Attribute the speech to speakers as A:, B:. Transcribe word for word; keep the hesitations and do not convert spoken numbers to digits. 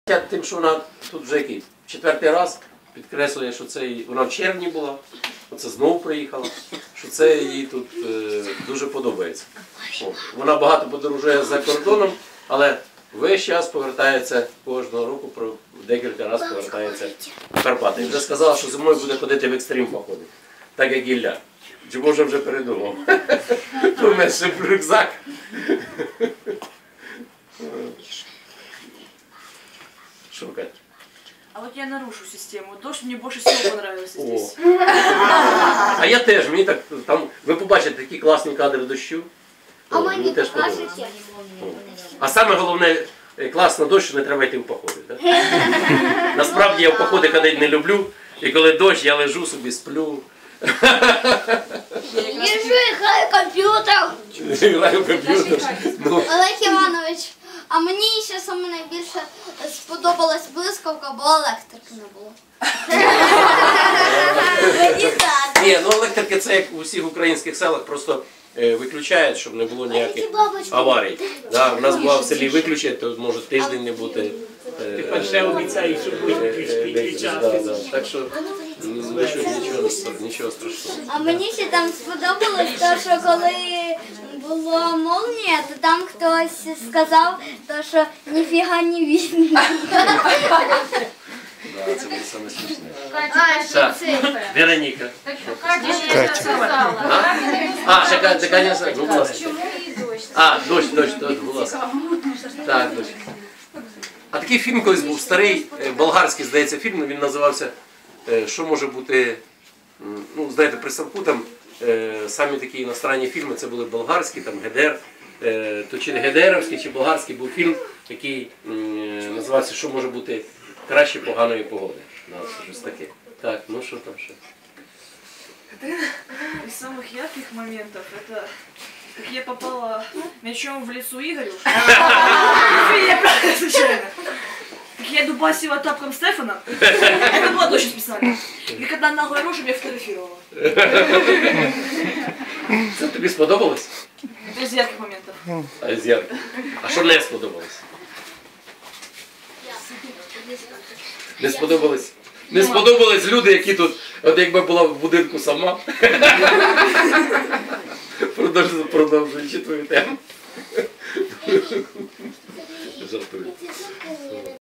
A: Тим, що вона тут вже який четвертий раз підкреслює, що це їй, вона в червні була, оце знову приїхала, що це їй тут е, дуже подобається. О, вона багато подорожує за кордоном, але весь час повертається кожного року, про декілька разів повертається в Карпати. І вже сказала, що зимою буде ходити в екстрим походи, так як Ілля. Чи може вже передумав? Помешив рюкзак. Что, Кать?
B: А вот я нарушу систему. Дождь мне больше всего понравился здесь.
A: А я теж, мені так, там, ви побачите такі класні кадри дощу.
C: А
A: О,
C: мені
A: теж
C: покажете?
A: подобається. А саме головне, класно дощ, що не треба йти в походи. Так? Насправді я в походи ходити не люблю, і коли дощ, я лежу собі, сплю.
C: Лежу і граю в комп'ютер.
A: Граю в комп'ютер. Ну.
C: Олег Іванович, а мені ще саме найбільше сподобалась блискавка, бо електрики не було. Мені так.
A: Ні, ну електрики це як у всіх українських селах, просто е, виключають, щоб не було ніяких аварій. Да, у нас була в селі виключать, то може тиждень не бути. Е,
D: Тепер ще обіцяють, що будуть
A: е,
D: підключати.
A: да, да. Так що м, нічого, нічого, нічого страшного.
C: А мені ще там сподобалось те, що коли була молнія, то там хтось сказав, то, що ніфіга не видно.
A: Да, це буде саме смішне.
C: А,
A: Так,
C: що це?
A: Вероніка.
E: Катя.
A: А, ще Катя, Катя, ну, будь ласка.
E: Чому і дощ?
A: А, дощ, дощ, дощ, будь ласка. Так, дощ. А такий фільм колись був старий, е, болгарський, здається, фільм, він називався е, «Що може бути», м, ну, знаєте, при Савку там е, самі такі іностранні фільми, це були болгарські, там Гедер, е, то чи Гедеровський, чи болгарський був фільм, який м, е, називався «Що може бути краще поганої погоди». Да, це щось таке. Так, ну що там ще?
B: Из самых ярких моментов это как я попала мячом в лицо Игорю. Я правильно, случайно. Как я дубасила тапком Стефана. Это было точно специально. И когда наглая рожа меня фотографировала.
A: Це тобі сподобалось?
B: Это из ярких моментов.
A: А, з ярких. А що не сподобалось? Не сподобались? Не сподобались люди, які тут, от якби була в будинку сама. Продовжуй, продовжуючи твою тему. Жартую.